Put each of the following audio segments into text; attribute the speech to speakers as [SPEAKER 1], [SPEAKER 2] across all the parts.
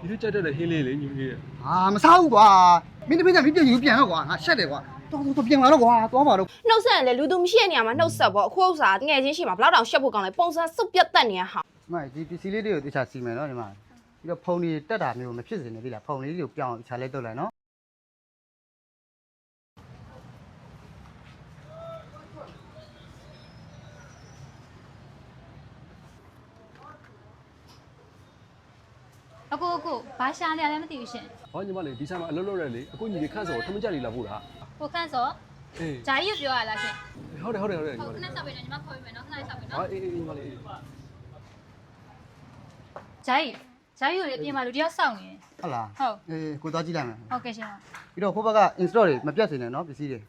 [SPEAKER 1] ဒီလိုကြက်တက်တဲ့ဟင်းလေးလေညီလေး
[SPEAKER 2] မစားဘူးကွာမင်းတပည့်ကမင်းပြန်ယူပြန်တော့ကွာငါရှက်တယ်ကွာတော့ပြန်လာတော့ကွာသွားပါတော့
[SPEAKER 3] နှုတ်ဆက်ရင်လေလူသူမရှိတဲ့နေရာမှာနှုတ်ဆက်ပေါ့အခုဥစ္စာတငယ်ချင်းရှိမှာဘလောက်တောင်ရှက်ဖို့ကောင်းလဲပုံစံစုပ်ပြတ်တက်နေရဟာ
[SPEAKER 2] ဒီပစ္စည်းလေးတွေကိုတခြားစီမယ်နော်ဒီမှာပြီးတော့ဖုန်ကြီးတက်တာမျိုးမဖြစ်စေနဲ့ဒီလားဖုန်လေးတွေကိုပြောင်းတခြားလေးတုတ်လိုက်နော်
[SPEAKER 4] အခုဘာရှာနေရလဲမသိဘူးရှင်
[SPEAKER 1] ဟောညီမလေးဒီဆိုင်မှာအလုပ်လုပ်ရလေအခုညီလေးခန့်စောထမကြလေးလာဖို့လား
[SPEAKER 4] ကိုခန့်စော
[SPEAKER 1] အေး
[SPEAKER 4] ဂျာကြီးပြောရလားရှင်
[SPEAKER 1] ဟုတ်တယ်ညီမ
[SPEAKER 4] ဟုတ်
[SPEAKER 1] လေး
[SPEAKER 4] ခဏဆောက်ပေးတယ်ညီမခေါ်ပေးမယ်နော်ခဏဆောက်ပေး
[SPEAKER 1] ဟာ
[SPEAKER 4] နော်
[SPEAKER 1] အေးညီမလေး
[SPEAKER 4] ဂျာကြီးကိုလေအပြင်မှာလူတယောက်စောင့်နေတယ်
[SPEAKER 2] ဟုတ်လား
[SPEAKER 4] ဟုတ်
[SPEAKER 2] ကိုသွားကြည့်လိုက်မယ်
[SPEAKER 4] ဟုတ်ကဲ့ရှင်
[SPEAKER 2] ပြီးတော့ဟိုဘက်က install တွေမပြတ်စေနဲ့နော်ပစ္စည်းတွေ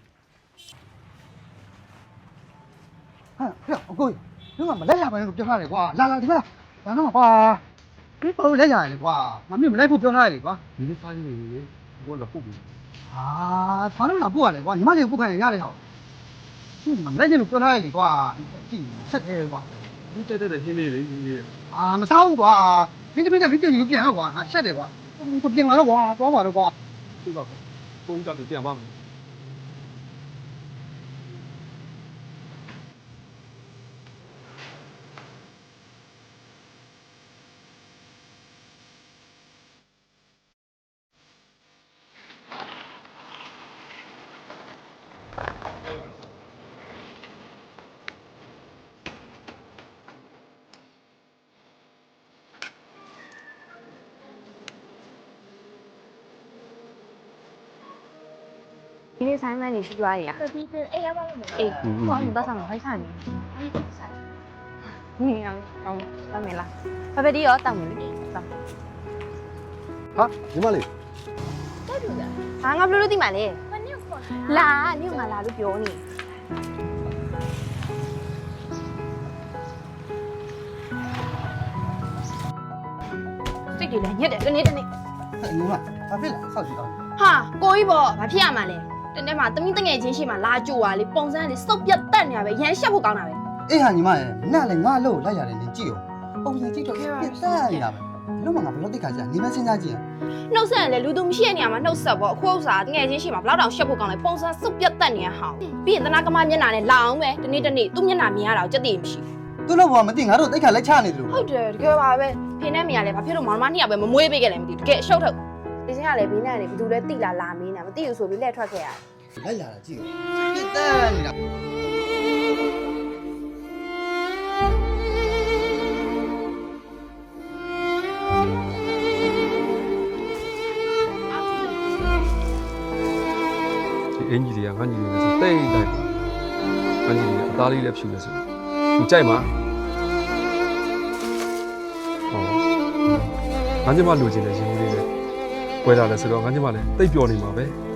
[SPEAKER 2] ဟာအကိုဒီမှာမလက်ရပါနဲ့လို့ပြောထားတယ်ကွာလာဒီမှာလာတော့ကွာဒီပုံလက်ရတယ်ကွာငါမင်းမလိုက်ဖို့ပြောထားတယ်ကွာ
[SPEAKER 1] ဒီလေးစားရည်လေဘောလာပုတ်ပြီ
[SPEAKER 2] ဘာလို့လာပို့ရတယ်ကွာညီမလေးပို့ခိုင်းရရတယ်ဟောမလက်ရလို့ပြောထားတယ်ကွာကြည့်ဆက်တယ်ကွာ
[SPEAKER 1] ဒီကြက်တက်တဲ့ဟင်းလေးလေညီလေး
[SPEAKER 2] မစားဘူးကွာမင်းတပည့်ကမင်းပြန်ယူပြန်တော့ကွာငါရှက်တယ်ကွာပြန်လာတော့ကွာသွားပါတော့ကွာ
[SPEAKER 1] ဒီပါပုံကြတယ်ပြန်ပါမယ်
[SPEAKER 3] ဒီနေ့ဆိုင်မှန်နေရှိကြရရ
[SPEAKER 4] ဒီအေးရပါလို့မ
[SPEAKER 3] အေးဘာမှမသက်ဆောင်ခိုင်းဆိုင်နေနေအောင်အောင်တမ်းမလားဖဖဒီရောတောင်းမယ်လေတောင်း
[SPEAKER 1] ဟာညီမလေး
[SPEAKER 4] တက်လို့လား
[SPEAKER 3] ဟာငါဘလို့လို့သိမှလဲ
[SPEAKER 4] မနေ့ခေါ်
[SPEAKER 3] လာနေငါလာလို့ပြောနေစိတ်တွေလည်းညက်တယ်တနေ့တနေ့
[SPEAKER 2] ညီမဘာဖြစ်လဲဆောက်ကြည့်တော့
[SPEAKER 3] ဟာကိုကြီးပေါ့ဘာဖြစ်ရမှာလဲတနေ့မှသမီးတငယ်ချင်းရှိမှလာကြိုပါလေပုံစံလေးစုပ်ပြတ်တက်နေရပဲရမ်းရှက်ဖို့ကောင်းတာပဲ
[SPEAKER 2] အေးဟာညီမရဲ့နားလည်းငါ့လို့လိုက်ရတယ်နင်ကြည့်ရောပုံစံကြည့်တော့ပြတ်တက်နေတာပဲဘလို့မှငါဘလို့တိတ်ခါကြနေမစင်းစားကြည့်ရ
[SPEAKER 3] နှုတ်ဆက်ရင်လေလူသူမရှိတဲ့နေရာမှာနှုတ်ဆက်ပေါ့အခုဥစ္စာတငယ်ချင်းရှိမှာဘလောက်တောင်ရှက်ဖို့ကောင်းလဲပုံစံစုပ်ပြတ်တက်နေရဟောင်းပြီးရင်သနာကမမျက်နှာနဲ့လာအောင်ပဲတနေ့တနေ့သူ့မျက်နှာမြင်ရတာကိုကြက်တည်မရှိ
[SPEAKER 2] သူ့လို့ဘာမသိငါတို့တိတ်ခါလိုက်ချနေတယ်လို့
[SPEAKER 3] ဟုတ်တယ်တကယ်ပါပဲဖေနဲ့မေကလည်းဘာဖြစ်လို့မောင်မနှစ်ယောက်ပဲမမွေးပေးခဲ့လဲမသိဘူးတကယ်အရှုပ်ထုတ်ဒီစင်းကလည်းဘေးနဲ့နေဘယ်သူလဲတိလာလာမင်းနာမသိဘူးဆိုပြီးလက်ထွက်ခဲ့ရတယ်
[SPEAKER 2] လိုက်လာတာကြည့်ရောပြတ်တက်နေတာ
[SPEAKER 1] ဒီအင်ကြီးတွေကငါညီလေးနဲ့ဆိုတိတ်လိုက်ပါငါညီလေးအသားလေးလည်းဖြူနေဆိုသူကြိုက်မှာဟောငါညီမလိုချင်တဲ့ရှင်လေးတွေကွဲလာတယ်ဆိုတော့ငါညီမလည်းတိတ်ပျော်နေမှာပဲ